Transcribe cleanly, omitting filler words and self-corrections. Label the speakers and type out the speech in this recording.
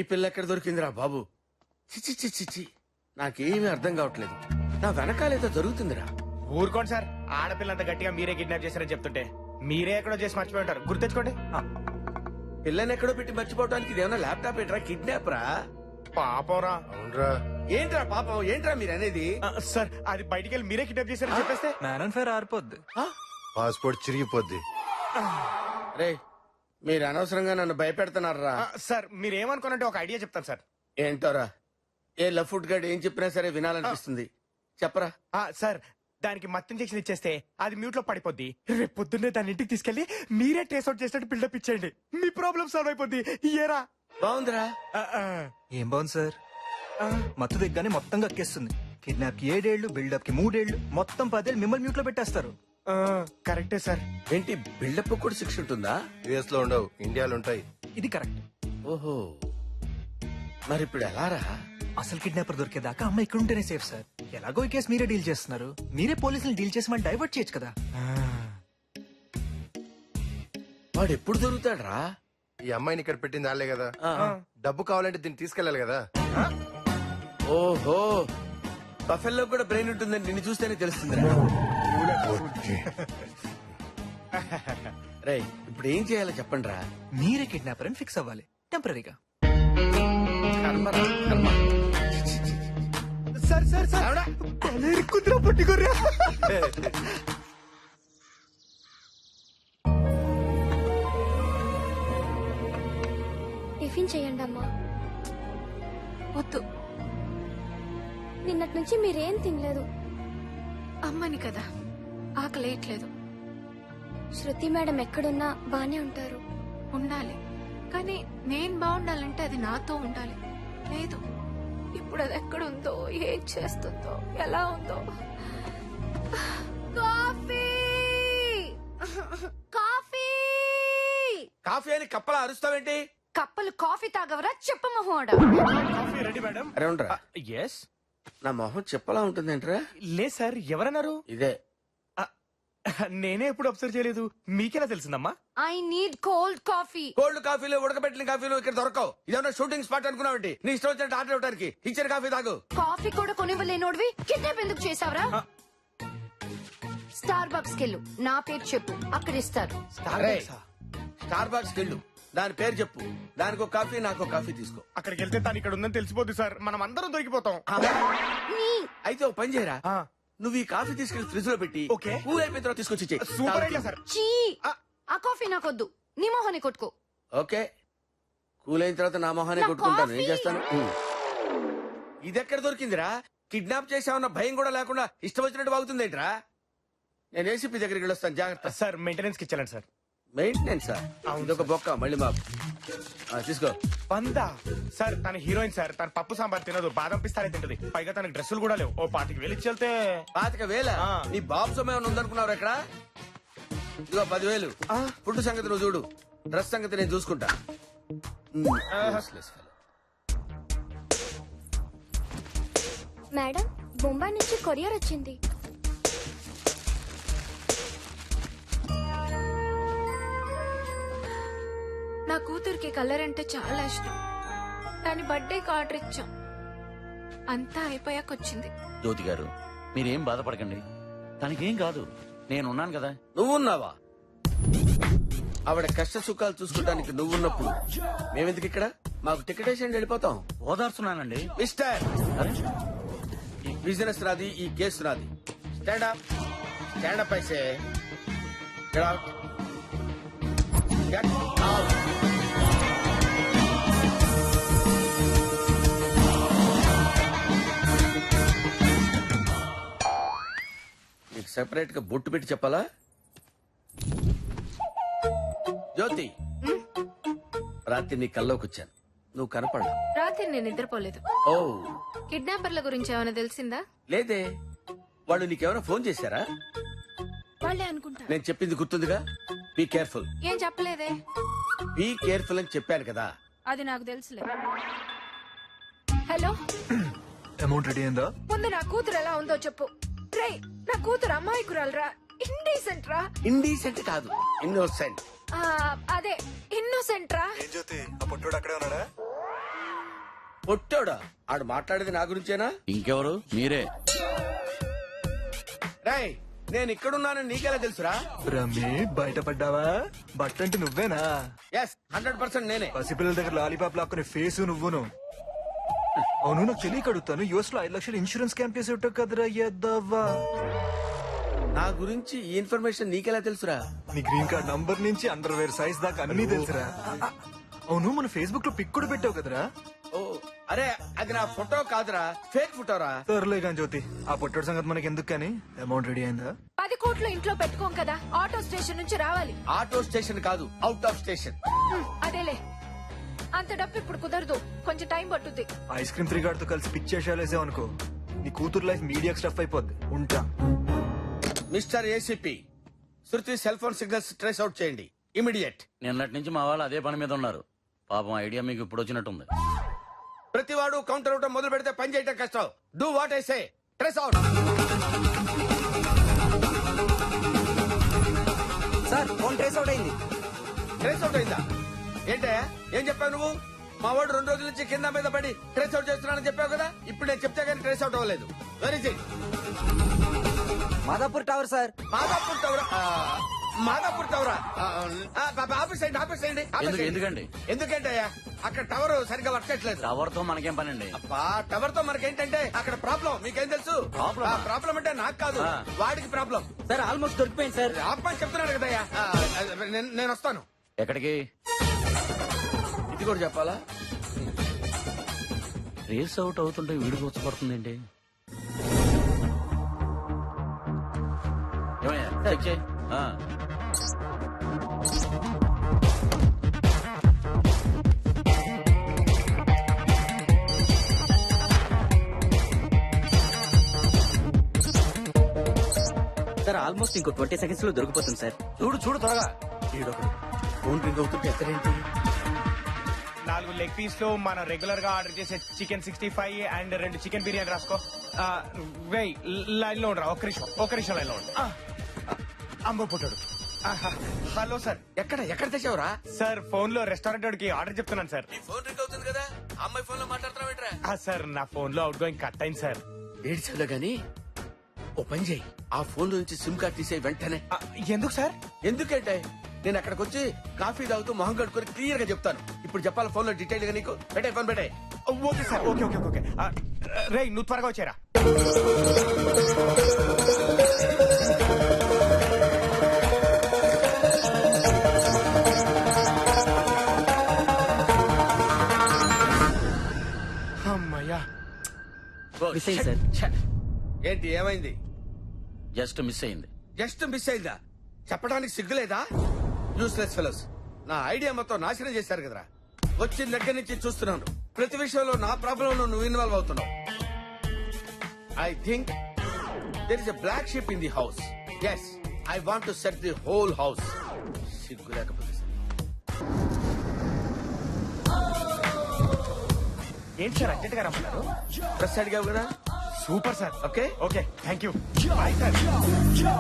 Speaker 1: పిల్ల ఎక్కడ దొరికిందిరా బాబు? చిచి చిచి చిచి, నాకేమీ అర్థం కావట్లేదు. నా వెనకాలేదో జరుగుతుందిరా.
Speaker 2: ఊరుకోండి సార్, ఆడపిల్లంత గట్టిగా మీరే కిడ్నాప్ చేశారని చెప్తుంటే మీరే ఎక్కడో చేసి మర్చిపోయి ఉంటారు. గుర్తెచ్చుకోండి.
Speaker 1: పిల్లని ఎక్కడో పెట్టి మర్చిపోవడానికి ఇదేమన్నా ల్యాప్టాప్ ఏంట్రా? కిడ్నాప్ రా.
Speaker 2: పాపరా.
Speaker 3: అవునరా.
Speaker 1: ఏంట్రా పాపం? ఏంట్రా మీరు అనేది?
Speaker 2: సార్ అది బయటికి వెళ్ళి మీరే కిడ్నాప్ చేశారని చెప్పేస్తే
Speaker 4: మ్యాన్ అండ్ ఫైర్ ఆరిపోద్ది.
Speaker 3: పాస్పోర్ట్ చిరిగిపోద్ది.
Speaker 1: రే, మీరు అనవసరంగా నన్ను భయపెడుతున్నారా?
Speaker 2: సార్ మీరేమనుకోనంటే ఒక ఐడియా చెప్తాను సార్.
Speaker 1: ఏంటోరా? ఏ లఫుట్ గడ్ ఏం చెప్పినా సరే వినాలనిపిస్తుంది. చెప్పరా.
Speaker 2: సార్ దానికి మత్తు ఇంజెక్షన్ ఇచ్చేస్తే అది మ్యూట్ లో పడిపోద్ది. రేపు పొద్దున్నే దాని ఇంటికి తీసుకెళ్లి మీరే ట్రేస్ అవుట్ చేసినట్టు బిల్డప్ ఇచ్చేయండి. మీ ప్రాబ్లం సాల్వ్ అయిపోద్ది. ఏరా
Speaker 1: బాగుందిరా.
Speaker 4: ఏం బాగుంది సార్, మత్తు దిగ్గానే మొత్తం కక్కేస్తుంది. కిడ్నాప్ కి 7 ఏళ్లు, బిల్డప్ కి 3 ఏళ్లు, మొత్తం 10 ఏళ్ళు మిమ్మల్ని మ్యూట్ లో పెట్టేస్తారు.
Speaker 2: కరెక్టే సార్.
Speaker 1: ఏంటి బిల్డప్ కూడా శిక్ష ఉంటుందా?
Speaker 3: యుఎస్ లో ఉండవు, ఇండియాలో ఉంటాయి.
Speaker 4: ఇది కరెక్ట్.
Speaker 1: ఓహో, మరి ఇప్పుడు ఎలా రా?
Speaker 4: అసలు కిడ్నాపర్ దొరికేదాకా అమ్మ ఇక్కడ ఉంటేనే సేఫ్ సార్. ఎలాగో ఈ కేసు మీరే డీల్ చేస్తున్నారు, మీరే పోలీసులు డీల్ చేసి మనం డైవర్ట్ చేయొచ్చు కదా.
Speaker 1: వాడు ఎప్పుడు దొరుకుతాడు రా?
Speaker 3: ఈ అమ్మాయిని ఇక్కడ పెట్టింది వాళ్ళే కదా. డబ్బు కావాలంటే దీన్ని తీసుకెళ్లాలి కదా.
Speaker 1: ఓహో, బఫెల్లో కూడా బ్రెయిన్ ఉంటుందని నిన్ను చూస్తేనే తెలుస్తుంది. రే, ఇప్పుడు ఏం చేయాలో చెప్పండి రా.
Speaker 4: మీరే కిడ్నాపర్ అని ఫిక్స్ అవ్వాలి టెంపరీగా.
Speaker 2: సార్ సార్ సార్ కుదిరా పట్టుకోర్రా.
Speaker 5: టిఫిన్ చేయండి అమ్మా.
Speaker 6: వద్దు,
Speaker 5: నిన్నటి నుంచి మీరేం తినలేదు.
Speaker 6: అమ్మని కదా, ఆకలేయట్లేదు.
Speaker 5: శృతి మేడం ఎక్కడున్నా బానే ఉంటారు.
Speaker 6: ఉండాలి, కానీ నేను బాగుండాలంటే అది నాతో ఉండాలి. లేదు, ఇప్పుడు అది ఎక్కడుందో, ఏం చేస్తుందో, ఎలా ఉందో. కాఫీ కాఫీ
Speaker 1: కాఫీ అని కప్పలా అరుస్తావేంటి?
Speaker 6: కప్పలు కాఫీ తాగవరా చెప్ప మొహోడా.
Speaker 2: Coffee ready madam.
Speaker 1: అరే ఉండరా.
Speaker 2: ఎస్.
Speaker 1: నా మొహం చెప్పలా ఉంటుందేంట్రా?
Speaker 2: లేదు సార్, ఎవరన్నారు?
Speaker 1: ఇదే.
Speaker 2: నేనే ఎప్పుడు అబ్జర్వ్ చేయలేదు, మీకెలా తెలిసిందమ్మా?
Speaker 6: I need cold coffee.
Speaker 1: Cold కాఫీలు, ఉడకబెట్టిన కాఫీలు ఇక్కడ దొరకవు. ఇదేమన్నా షూటింగ్ స్పాట్ అనుకున్నావేంటి? నీ ఇష్టం వచ్చినట్టు ఆర్డర్ ఇవ్వడానికి ఇచ్చిన కాఫీ తాగు.
Speaker 6: కాఫీ కూడా కొనివ్వలేనోడివి కిడ్నాప్ ఎందుకు చేసావరా? స్టార్ బక్స్ కెళ్ళు, నా పేరు చెప్పు, అక్కడ ఇస్తారు.
Speaker 1: స్టార్ బాక్స్ కెళ్ళు, దాని పేరు చెప్పు, దానికి ఒక కాఫీ, నాకు ఒక కాఫీ తీసుకో.
Speaker 2: అక్కడికి వెళ్తే తను ఇక్కడ ఉందని తెలిసిపోద్ది సార్, మనం అందరం దొరికిపోతాం.
Speaker 1: అయితే ఒక పని చేయరా, నువ్వు ఈ కాఫీ తీసుకెళ్లి ఫ్రిడ్జ్ లో పెట్టి
Speaker 2: ఓకే.
Speaker 1: కూల్ అయిపోయిన తర్వాత తీసుకొచ్చి ఇచ్చేయ్.
Speaker 2: Super idea sir.
Speaker 6: చీ, ఆ కాఫీ నాకొద్దు, నీ మొహాన్ని కొట్టుకో.
Speaker 1: ఓకే, కూల్ అయిన తర్వాత నా మొహాన్ని
Speaker 6: నా
Speaker 1: కొట్టుకుంటాను. ఏం
Speaker 6: కాఫీ.
Speaker 1: చేస్తాను? ఇది ఎక్కడ దొరికిందిరా? కిడ్నాప్ చేసామన్న భయం కూడా లేకుండా ఇష్టం వచ్చినట్టు బాగుతుందేంట్రా? నేను ఏసీపీ దగ్గరికి వెళ్ళొస్తాను, జాగ్రత్త.
Speaker 2: సార్ మెయింటెనెన్స్ కి ఇచ్చాలండి సార్.
Speaker 1: మెయింటెనెన్స్ ఇదొక బొక్క మళ్ళీ మాకు. తీసుకో.
Speaker 2: పందా సార్, తన హీరోయిన్ సార్, తన పప్పు సాంబార్ తినదు, బాదం పిస్తానే తింటది, పైగా తనకి డ్రెస్సులు కూడా లేవు. ఓ 25,000 ఇచ్చి వెళ్తే.
Speaker 1: 25,000? నీ బాబు సమయం ఉందనుకున్నావు ఎక్కడ? ఇదిగో 10,000. ఫుడ్ సంగతి నువ్వు చూడు, డ్రెస్ సంగతి నేను చూసుకుంటా.
Speaker 5: మేడం, బొంబాయి నుంచి కొరియర్ వచ్చింది.
Speaker 6: నా కూతురికి కలర్ అంటే చాలా ఇష్టం. దాని బర్త్డేకి ఆర్డర్ ఇచ్చాం, అంతా అయిపోయాక వచ్చింది.
Speaker 7: జ్యోతి గారు, మీరేం బాధపడకండి, తనకేం కాదు, నేనున్నాను కదా.
Speaker 1: నువ్వున్నావా? ఆవిడ కష్ట సుఖాలు చూసుకోవడానికి నువ్వున్నప్పుడు మేమెందుకు ఇక్కడ? మాకు టికెట్ వేసి వెళ్ళిపోతాం.
Speaker 7: ఓదార్చున్నానండి.
Speaker 1: మిస్టర్,
Speaker 7: అరే,
Speaker 1: ఈ బిజినెస్ నాది, ఈ కేసు నాది. Stand up. స్టాండ్ అప్ అయితే గెట్ అవుట్. Get out. నీకు సెపరేట్ గా బొట్టు పెట్టి చెప్పాలా? జ్యోతి, రాత్రి నీ కల్లోకి వచ్చాను, నువ్వు కనపడలా.
Speaker 6: రాత్రి నేను నిద్రపోలేదు.
Speaker 1: ఓ,
Speaker 6: కిడ్నాపర్ల గురించి ఏమైనా తెలిసిందా?
Speaker 1: లేదే. వాళ్ళు నీకేమైనా ఫోన్ చేశారా?
Speaker 6: వాళ్ళే అనుకుంటా.
Speaker 1: నేను చెప్పింది గుర్తుందిగా? Be careful.
Speaker 6: ఏం చెప్పలేదే.
Speaker 1: బీ కేర్ఫుల్ అని చెప్పాను కదా.
Speaker 6: అది నాకు తెలుసులే. హలో,
Speaker 4: అమౌంట్ రెడీ అయిందా?
Speaker 6: ముందు నా కూతురు ఎలా ఉందో చెప్పు. రే, నా కూతురు అమాయకురాలరా, ఇండీసెంట్ రా.
Speaker 1: ఇండీసెంట్ కాదు, ఇన్నోసెంట్.
Speaker 6: అదే ఇన్నోసెంట్ రా.
Speaker 4: ఏం జ్యోతి, ఆ పొట్టోడు అక్కడే ఉన్నాడా?
Speaker 1: పొట్టోడా ఆడు మాట్లాడేది నా గురించేనా?
Speaker 7: ఇంకెవరు? మీరే.
Speaker 1: రాయ్ నేను ఇక్కడున్నానని నీకెలా తెలుసురా?
Speaker 4: రమ్మి బయటపడ్డావా? బట్టంటే నువ్వేనా?
Speaker 1: ఎస్ 100% నేనే.
Speaker 4: పసిపిల్లల దగ్గర లాలీపాప్ లాక్కునే ఫేసు నువ్వును. అవును, నాకు తెలియక అడుగుతాను. యుఎస్ లో 5 లక్షలు ఇన్సూరెన్స్ క్యాంప్ చేసి ఉంటావు కదరా ఎద్దవ్వా.
Speaker 1: నా గురించి ఈ ఇన్ఫర్మేషన్ నీకెలా తెలుసురా?
Speaker 4: నీ గ్రీన్ కార్డ్ నంబర్ నుంచి అండర్వేర్ సైజ్ దాకా అన్ని తెలుసురా. అవును, మన ఫేస్బుక్ లో పిక్ కూడా పెట్టావు కదరా.
Speaker 1: ఓ అరే అది నా ఫోటో కాదురా, ఫేక్ ఫోటోరా.
Speaker 4: సర్లే కానీ జ్యోతి, ఆ పొట్టడు సంగతి మనకి ఎందుకు కానీ. అమౌంట్ రెడీ అయిందా?
Speaker 6: 10 కోట్లు ఇంట్లో పెట్టుకోం కదా, ఆటో స్టేషన్ నుంచి రావాలి.
Speaker 1: ఆటో స్టేషన్ కాదు, అవుట్ ఆఫ్ స్టేషన్.
Speaker 6: అదేలే, అంత డబ్బు ఇప్పుడు కుదరదు, కొంచెం టైం పట్టుద్ది.
Speaker 4: ఐస్ క్రీమ్ 3 గార్డ్ తో కలిసి పిక్ చేసేసావు అనుకో, నీ కూతురు లైఫ్ మీడియా స్టఫ్ అయిపోద్ది. ఉంటా.
Speaker 1: Mister ACP, Shruti cell phone signals trace out చేయండి ఇమిడియట్.
Speaker 7: నిన్నటి నుంచి మా వాళ్ళు అదే పని మీద ఉన్నారు. పాపం ఐడియా మీకు ఇప్పుడు వచ్చినట్టుంది.
Speaker 1: ప్రతివాడు కౌంటర్ అవటం మొదలు పెడితే పని చేయటం కష్టం. Do what I say, trace out.
Speaker 8: Sir phone trace out అయింది.
Speaker 1: ట్రేస్ అవుట్ అయిందా? ఏంటయ్యా ఏం చెప్పావు నువ్వు? మా వాడు 2 రోజుల నుంచి కింద మీద పడి ట్రేస్ అవుట్ చేస్తున్నానని చెప్పావు కదా, ఇప్పుడు నేను చెప్తే కానీ ట్రేస్ అవుట్ అవ్వలేదు. Very it?
Speaker 8: Madhapur tower sir.
Speaker 1: Madhapur టవరా? మాదాపూర్ టవరా? ఆఫీస్ అయ్యండి, ఆఫీస్ అయ్యండి.
Speaker 7: ఎందుకండి?
Speaker 1: ఎందుకంటయ్యా అక్కడ టవర్ సరిగ్గా వర్క్ చేయట్లేదు.
Speaker 7: టవర్ తో మనకేం పని అండి?
Speaker 1: అబ్బా టవర్ తో మనకేంటంటే అక్కడ ప్రాబ్లం మీకేం తెలుసు?
Speaker 7: Problem?
Speaker 1: ప్రాబ్లం అంటే నాకు కాదు, వాడికి ప్రాబ్లం.
Speaker 8: సార్ ఆల్మోస్ట్ దొరికిపోయింది సార్.
Speaker 1: ఆపని చెప్తున్నాడు కదయ్యా. నేను వస్తాను.
Speaker 7: ఎక్కడికి?
Speaker 1: ఇది కూడా చెప్పాలా?
Speaker 7: రేస్ అవుట్ అవుతుంటే వీడికి వచ్చపడుతుందేంటి? ఏమయ్యా చెక్ చేయి.
Speaker 8: సార్ ఆల్మోస్ట్ ఇంకో 20 సెకండ్స్ లో దొరికిపోతుంది సార్.
Speaker 7: చూడు చూడు త్వరగా.
Speaker 1: ఈడొకడు ఫోన్ రింగ్ అవుతుంటే ఎక్కడేంటి?
Speaker 2: 4 లెగ్ పీస్ లో మనం రెగ్యులర్ గా ఆర్డర్ చేసే చికెన్ 65 అండ్ 2 చికెన్ బిర్యానీ రాసుకో. వెయ్ లైన్ లో ఉండరా, ఒక్క నిమిషం లైన్ లో ఉండు. అమ్మ పుట్టాడు. Hello sir.
Speaker 1: ఎక్కడ తెచ్చావురా?
Speaker 2: సార్ ఫోన్ లో రెస్టారెంట్ వాడికి ఆర్డర్ చెప్తున్నాను సార్.
Speaker 1: నీ ఫోన్ రింగ్ అవుతుంది కదా, అమ్మాయి ఫోన్ లో మాట్లాడుతున్నావు.
Speaker 2: సార్ నా ఫోన్ లో అవుట్ గోయింగ్ కట్ అయింది సార్.
Speaker 1: ఏడ్చాలో గాని ఓ పని చేయి, ఆ ఫోన్ నుంచి సిమ్ కార్డ్ తీసే వెంటనే.
Speaker 2: ఎందుకు సార్?
Speaker 1: ఎందుకంటే నేను అక్కడికి వచ్చి కాఫీ తాగుతూ మొహం కట్టుకుని క్లియర్ గా చెప్తాను. ఇప్పుడు చెప్పాలి ఫోన్ లో డీటెయిల్ గా నీకు. పెట్టే ఫోన్ పెట్టే.
Speaker 2: Okay sir, okay okay okay. రే నువ్వు త్వరగా వచ్చారా. అమ్మయ్యా.
Speaker 8: మిస్ అయింది సార్.
Speaker 1: ఏంటి ఏమైంది?
Speaker 7: జస్ట్ మిస్ అయింది.
Speaker 1: జస్ట్ మిస్ అయిందా? చెప్పడానికి సిగ్గులేదా? యూస్లెస్ ఫెలోస్, నా ఐడియా మొత్తం నాశనం చేశారు కదరా. వచ్చిన దగ్గర నుంచి చూస్తున్నాను, ప్రతి విషయంలో నా ప్రాబ్లం లో నువ్వు ఇన్వాల్వ్ అవుతున్నావు. I think there is a black ship in the house. Yes, I want to set the whole house. సిగ్గు లేకపోతే సరే.
Speaker 2: ఏంటి సార్ అర్జెంట్ గా రమ్మన్నారు?
Speaker 1: డ్రెస్ అడిగావు కదా,
Speaker 2: super sir.
Speaker 1: Okay
Speaker 2: okay thank you. Bye sir.